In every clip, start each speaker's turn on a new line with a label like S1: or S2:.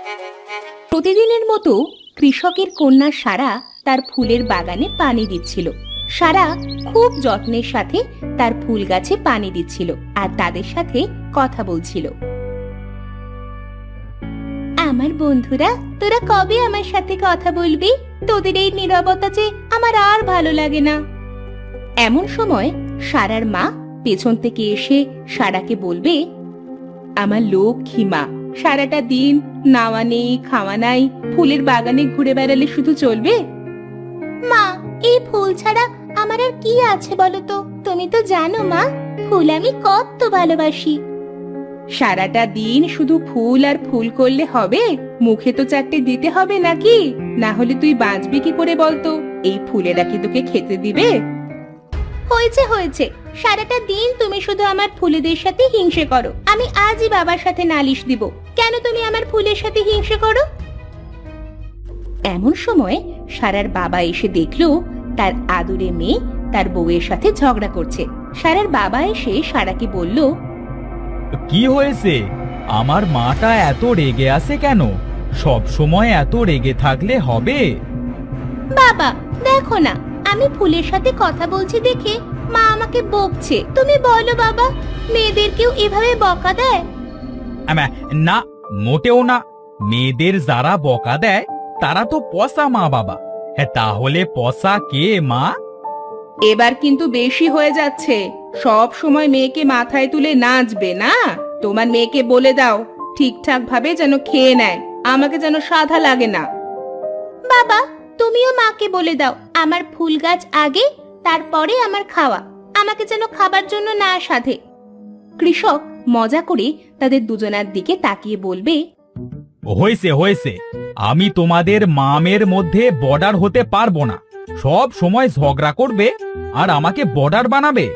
S1: প্রতিদিনের মতো কৃষকের কন্যা সারা তার ফুলের বাগানে পানি দিচ্ছিল। সারা খুব যত্নের সাথে তার ফুল গাছে পানি দিচ্ছিল আর তাদের সাথে কথা বলছিল। আমার বন্ধুরা, তোরা কবে আমার সাথে কথা বলবি? তোদের এই নীরবতা যে আমার আর ভালো লাগে না। এমন সময় সারার মা পেছন থেকে এসে সারাকে বলবে, আমার লক্ষ্মী মা, সারাটা দিন নাওয়া নেই খাওয়া নাই, ফুলের বাগানে ঘুরে বেড়ালে শুধু চলবে? মা, এই ফুল ছাড়া আমার আর কি আছে বলো তো? তুমি তো জানো মা, ফুল আমি কত ভালোবাসি। সারাটা দিন শুধু ফুল আর ফুল করলে হবে? মুখে তো চারটে দিতে হবে নাকি? না হলে তুই বাঁচবি কি করে বলতো? এই ফুলেরা কি তোকে খেতে দিবে? হয়েছে হয়েছে, সারাটা দিন তুমি শুধু আমার ফুলেদের সাথে হিংসে করো। আমি আজই বাবার সাথে নালিশ দিব। কেন তুমি আমার ফুলের সাথে হিংসে করো? এমন সময় সারার বাবা এসে দেখলো তার আদুরে মেয়ে তার বউয়ের সাথে ঝগড়া করছে। সারার বাবা এসে সারাকে বলল,
S2: কি হয়েছে? আমার মাটা এত রেগে আছে কেন? সব সময় এত রেগে থাকলে হবে?
S1: বাবা দেখো না, আমি ফুলের সাথে কথা বলছি দেখে মা আমাকে বকছে। তুমি বলো বাবা, মেয়েদেরকেও এভাবে বকা দেয়?
S2: না, মোটেও না। মেয়েদের যারা বকা দেয় তারা তো পচা মা বাবা। তাহলে পচা কে মা?
S1: এবার কিন্তু বেশি হয়ে যাচ্ছে। সব সময় মেয়েকে মাথায় তুলে নাচবে না। তোমার মেয়েকে বলে দাও ঠিকঠাক ভাবে যেন খেয়ে নেয়, আমাকে যেন সাধা লাগে না। বাবা তুমিও মাকে বলে দাও আমার ফুল গাছ আগে, তারপরে আমার খাওয়া, আমাকে যেন খাবার জন্য না সাধে। কৃষক মজা করে তাদের দুজনার দিকে তাকিয়ে বলবে,
S2: হয়েছে হয়েছে, আমি তোমাদের মামের মধ্যে বর্ডার হতে পারবো না। সব সময় ঝগড়া করবে আর আমাকে বর্ডার বানাবে।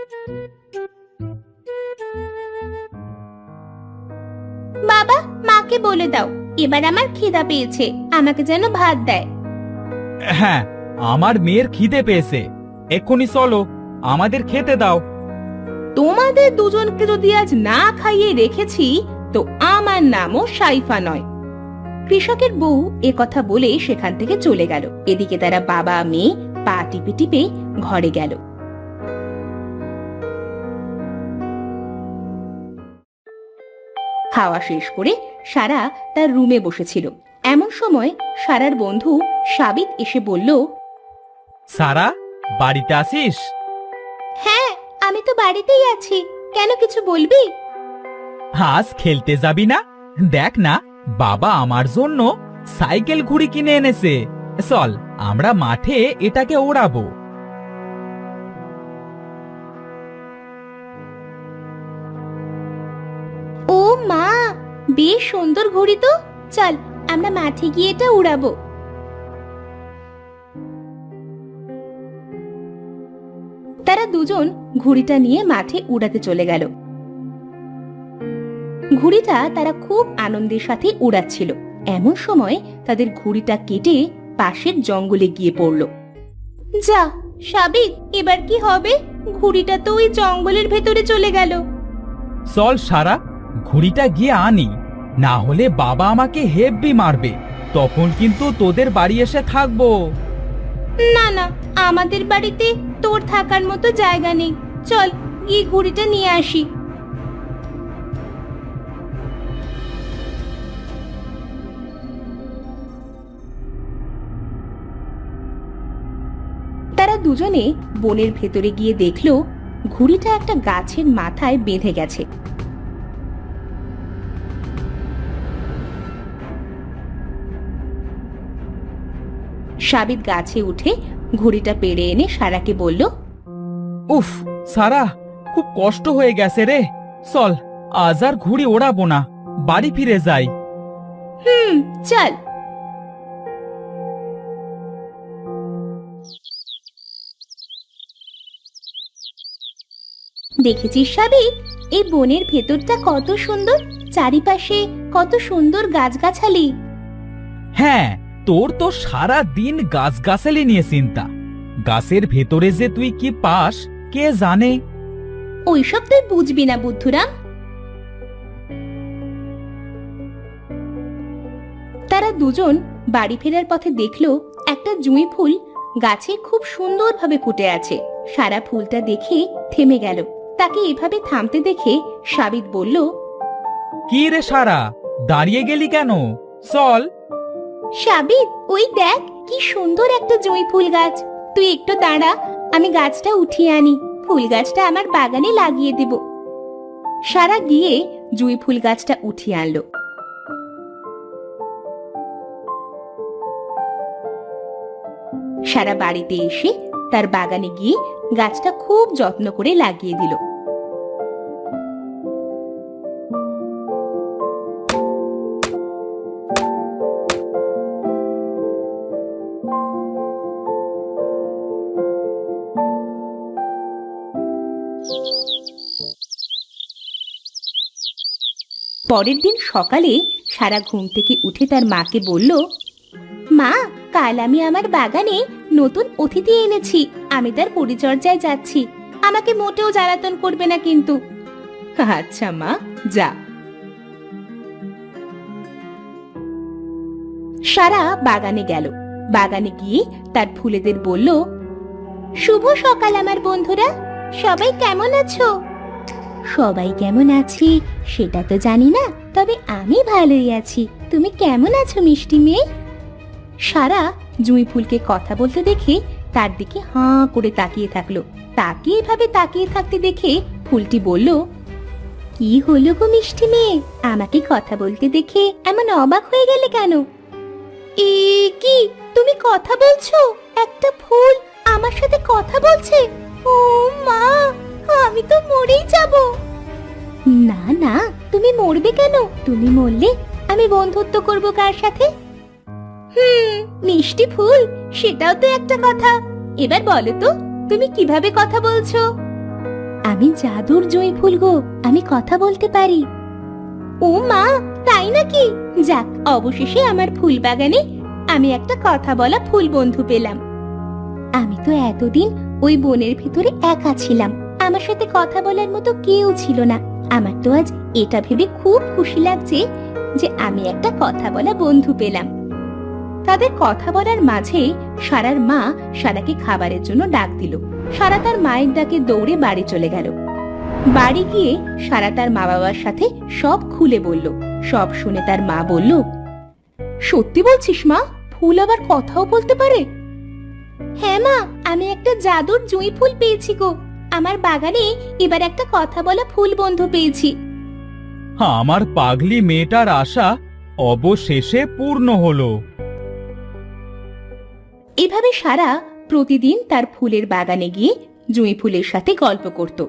S1: বাবা মাকে বলে দাও এবার আমার খিদা পেয়েছে, আমাকে যেন ভাত দেয়।
S2: হ্যাঁ, আমার মেয়ের খিদে পেয়েছে, এক্ষুনি চলো, আমাদের খেতে দাও।
S1: তোমাদের দুজনকে যদি আজ না খাইয়ে রেখেছি তো আমার নামও সাইফা নয়। কৃষকের বউ এ কথা বলে সেখান থেকে চলে গেল। এদিকে তারা বাবা মেয়ে পা টিপে টিপে ঘরে গেল। খাওয়া শেষ করে সারা তার রুমে বসেছিল। এমন সময় সারার বন্ধু সাবিত এসে বলল,
S2: সারা, বাড়িতে আসিস?
S1: হ্যাঁ আমি তো বাড়িতেই আছি, কেন কিছু বলবি?
S2: আজ খেলতে যাবি না? দেখ না, বাবা আমার জন্য সাইকেল ঘুড়ি কিনে এনেছে। চল আমরা মাঠে এটাকে ওড়াবো।
S1: ও মা, বেশ সুন্দর ঘড়ি তো, চল আমরা মাঠে গিয়ে এটা উড়াবো। তারা দুজন ঘুড়িটা নিয়ে মাঠে উড়াতে চলে গেল। ঘুড়িটা তারা খুব আনন্দের সাথে উড়াচ্ছিল। এমন সময় তাদের ঘুড়িটা কেটে পাশের জঙ্গলে গিয়ে পড়ল। যা সাবিত, এবার কি হবে? ঘুড়িটা তো ওই জঙ্গলের ভেতরে চলে গেল।
S2: চল সারা, ঘুড়িটা গিয়ে আনি, না হলে বাবা আমাকে হেব্বি মারবে। তখন কিন্তু তোদের বাড়ি এসে থাকবো।
S1: না না, আমাদের বাড়িতে তোর থাকার মতো জায়গা নেই। চল গিয়ে ঘুড়িটা নিয়ে আসি। তারা দুজনে বনের ভেতরে গিয়ে দেখলো ঘুড়িটা একটা গাছের মাথায় বেঁধে গেছে। সাবিত গাছে উঠে ঘুড়িটা পেড়ে এনে সারাকে বলল,
S2: উফ সারা, খুব কষ্ট হয়ে গেছে রে। চল আজ আর ঘুড়ি ওড়াবো না, বাড়ি ফিরে যাই।
S1: চল। দেখেছিস সাবিত, এই বনের ভেতরটা কত সুন্দর, চারিপাশে কত সুন্দর গাছগাছালি।
S2: হ্যাঁ, তোর তো সারা দিন গাছগাছালি নিয়ে চিন্তা। গাছের ভেতরে যে তুই কি পাস কে জানে।
S1: ওইসব তুই বুঝবি না বুদ্ধুরাম। তারা দুজন বাড়ি ফেরার পথে দেখলো একটা জুঁই ফুল গাছে খুব সুন্দরভাবে ফুটে আছে। সারা ফুলটা দেখে থেমে গেল। তাকে এভাবে থামতে দেখে সাবিত বলল,
S2: কি রে সারা, দাঁড়িয়ে গেলি কেন? চল।
S1: সাবিত, ওই দেখ কি সুন্দর একটা জুঁই ফুল গাছ। তুই একটু দাঁড়া, আমি গাছটা উঠিয়ে আনি। ফুল গাছটা আমার বাগানে লাগিয়ে দেব। সারা গিয়ে জুঁই ফুল গাছটা উঠিয়ে আনলো। সারা বাড়িতে এসে তার বাগানে গিয়ে গাছটা খুব যত্ন করে লাগিয়ে দিল। পরের দিন সকালে সারা ঘুম থেকে উঠে তার মাকে বলল, মা, কাল আমি আমার বাগানে নতুন অতিথি এনেছি। আমি তার পরিচর্যায় যাচ্ছি। আমাকে মোটেও জ্বালাতন করবে না কিন্তু। আচ্ছা মা, যা। সারা বাগানে গেল। বাগানে গিয়ে তার ফুলেদের বলল, শুভ সকাল আমার বন্ধুরা, সবাই কেমন আছো? সবাই কেমন আছে সেটা তো জানি না, তবে আমি ভালোই আছি। তুমি কেমন আছো মিষ্টি মেয়ে? সারা জুঁই ফুলকে কথা বলতে দেখে তার দিকে হাঁ করে তাকিয়ে থাকলো। তাকে এভাবে তাকিয়ে থাকতে দেখে ফুলটি বলল, কি হলো গো মিষ্টি মেয়ে, আমাকে কথা বলতে দেখে এমন অবাক হয়ে গেলে কেন? এ কি, তুমি কথা বলছো? একটা ফুল আমার সাথে কথা বলছে? ও মা, আমি তো মরেই যাব। না না, তুমি মরবে কেন? তুমি মরলে আমি বন্ধুত্ব করব কার সাথে? মিষ্টি ফুল, সেটাও তো একটা কথা। এবার বলো তো, তুমি কিভাবে কথা বলছো? আমি জাদুর জুঁই ফুল গো, আমি কথা বলতে পারি। ও মা, তাই নাকি? যাক, অবশেষে আমার ফুল বাগানে আমি একটা কথা বলা ফুল বন্ধু পেলাম। আমি তো এতদিন ওই বনের ভিতরে একা ছিলাম। আমার সাথে কথা বলার মতো কেউ ছিল না। আমার তো আজ এটা ভেবে খুব খুশি লাগছে যে আমি একটা কথা বলা বন্ধু পেলাম। তাদের কথা বলার মাঝে সারার মা সারাকে খাবারের জন্য ডাক দিল। সারা তার মায়ের ডাকে দৌড়ে বাড়ি চলে গেল। বাড়ি গিয়ে সারা তার মা বাবার সাথে সব খুলে বলল। সব শুনে তার মা বলল, সত্যি বলছিস মা? ফুল আবার কথাও বলতে পারে? হ্যাঁ মা, আমি একটা জাদুর জুঁই ফুল পেয়েছি গো। আমার বাগানে এবার একটা কথা বলা ফুল বন্ধু পেয়েছি।
S2: আমার পাগলি মেয়েটার আশা অবশেষে পূর্ণ হলো।
S1: এভাবে সারা প্রতিদিন তার ফুলের বাগানে গিয়ে জুঁই ফুলের সাথে গল্প করত।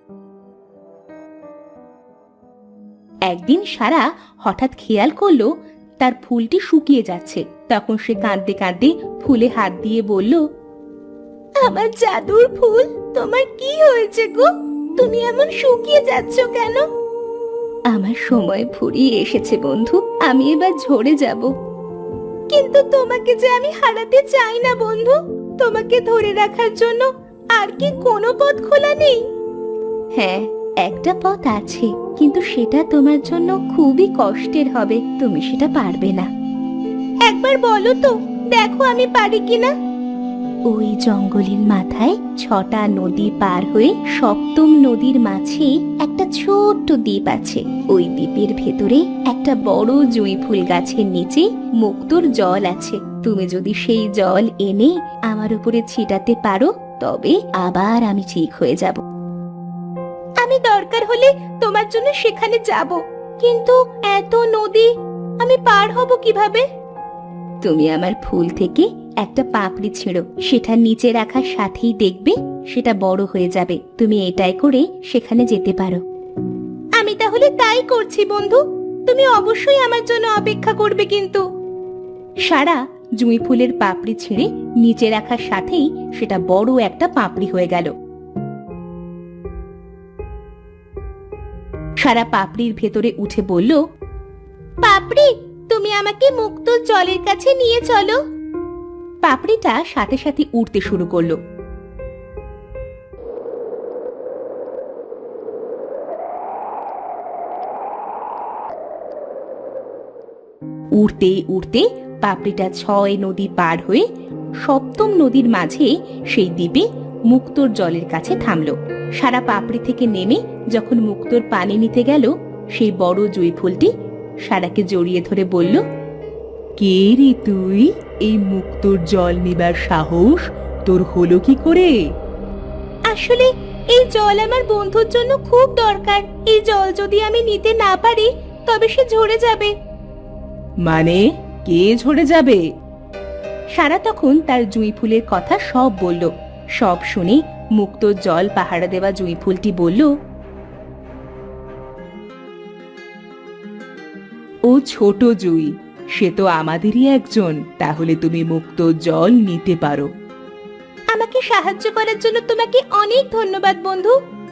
S1: একদিন সারা হঠাৎ খেয়াল করলো তার ফুলটি শুকিয়ে যাচ্ছে। তখন সে কাঁদতে কাঁদতে ফুলে হাত দিয়ে বলল, আমার জাদুর ফুল, তোমার কি হয়েছে গো? তুমি এমন শুকিয়ে যাচ্ছ কেন? আমার সময় ফুরিয়ে এসেছে বন্ধু, আমি এবার ঝরে যাব। কিন্তু তোমাকে যে আমি হারাতে চাই না বন্ধু। তোমাকে ধরে রাখার জন্য আর কি কোনো পথ খোলা নেই? হ্যাঁ, একটা পথ আছে, কিন্তু সেটা তোমার জন্য খুবই কষ্টের হবে। তুমি সেটা পারবে না। একবার বলো তো, দেখো আমি পারি কিনা। ওই জঙ্গলের মাথায় 6টা নদী পার হয়ে 7ম নদীর মাঝে একটা ছোট্ট দ্বীপ আছে। ওই দ্বীপের ভেতরে একটা বড় জুঁই ফুল গাছের নিচে মুক্তোর জল আছে। তুমি যদি সেই জল এনে আমার উপরে ছিটাতে পারো, তবে আবার আমি ঠিক হয়ে যাব। আমি দরকার হলে তোমার জন্য সেখানে যাব, কিন্তু এত নদী আমি পার হব কিভাবে? তুমি আমার ফুল থেকে একটা পাপড়ি ছিঁড়ো, সেটা নিচে রাখার সাথেই দেখবে সেটা বড় হয়ে যাবে। তুমি এটাই করে সেখানে যেতে পারো। আমি তাহলে তাই করছি বন্ধু। তুমি অবশ্যই আমার জন্য অপেক্ষা করবে কিন্তু। সারা জুঁই ফুলের পাপড়ি ছিঁড়ে নিচে রাখার সাথেই সেটা বড় একটা পাপড়ি হয়ে গেল। সারা পাপড়ির ভেতরে উঠে বলল, পাপড়ি, তুমি আমাকে মুক্ত জলের কাছে নিয়ে চলো। পাপড়িটা সাথে সাথে উড়তে শুরু করলো। উড়তে উড়তে পাপড়িটা 6 নদী পার হয়ে 7ম নদীর মাঝে সেই দ্বীপে মুক্তোর জলের কাছে থামলো। সারা পাপড়ি থেকে নেমে যখন মুক্তোর পানি নিতে গেল, সেই বড় জুঁই ফুলটি সারাকে জড়িয়ে ধরে বলল, কে রে তুই? এই মুক্তোর জল নিবার সাহস তোর হলো কি করে? আসলে এই জল আমার বন্ধুর জন্য খুব দরকার। এই জল যদি আমি নিতে না পারি তবে সে ঝরে যাবে। মানে কে ঝরে যাবে? সারা তখন তার জুঁই ফুলের কথা সব বলল। সব শুনে মুক্তোর জল পাহারা দেওয়া জুঁই ফুলটি বলল, ও ছোট জুঁই, সে তো আমাদেরই একজন। তাহলে তুমি মুক্তোর জল নিতে পারো। আমাকে সাহায্য করার জন্য তোমাকে অনেক ধন্যবাদ বন্ধু।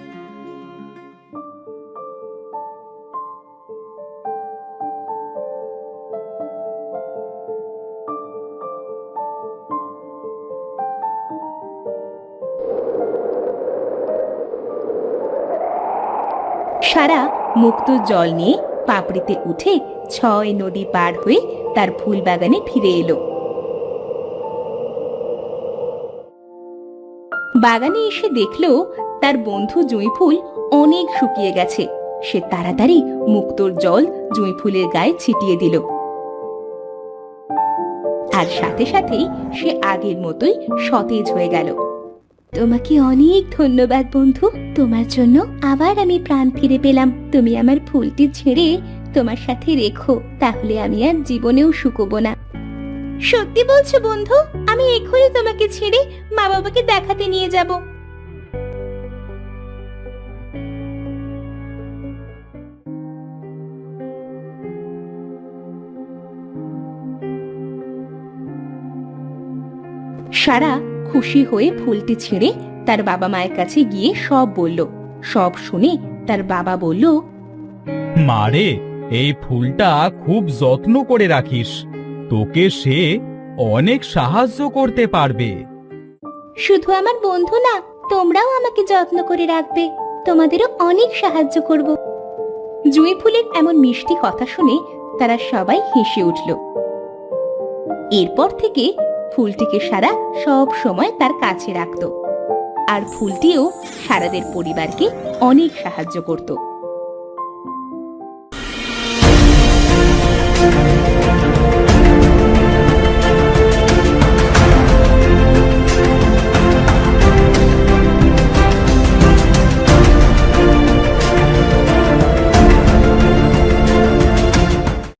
S1: সারা মুক্তোর জল নিয়ে পাপড়িতে উঠে 6 নদী পার হয়ে তার ফুল বাগানে ফিরে এলো। বাগানে এসে দেখলো তার বন্ধু জুঁই ফুল অনেক শুকিয়ে গেছে। সে তাড়াতাড়ি মুক্তোর জল জুঁই ফুলের গায়ে ছিটিয়ে দিল, আর সাথে সাথেই সে আগের মতোই সতেজ হয়ে গেল। তোমাকে অনেক ধন্যবাদ বন্ধু। তোমার জন্য আবার আমি প্রাণ ফিরে পেলাম। তুমি আমার ফুলটি ছেড়ে তোমার সাথে রেখো, তাহলে আমি আর জীবনেও শুকোবো না। সত্যি বলছো বন্ধু? আমি এখনই তোমাকে ছেড়ে মা বাবাকে দেখাতে নিয়ে যাব। সারা খুশি হয়ে ফুলটি ছেড়ে তার বাবা মায়ের কাছে গিয়ে সব বলল। সব শুনে তার বাবা বলল,
S2: মারে, এই ফুলটা খুব যত্ন করে রাখিস। তোকে সে অনেক সাহায্য করতে পারবে।
S1: শুধু আমার বন্ধু না, তোমরাও আমাকে যত্ন করে রাখবে। তোমাদেরও অনেক সাহায্য করব। জুঁই ফুলের এমন মিষ্টি কথা শুনে তারা সবাই হেসে উঠল। এরপর থেকে ফুলটিকে সারা সব সময় তার কাছে রাখত, আর ফুলটিও সারাদের পরিবারকে অনেক সাহায্য করত।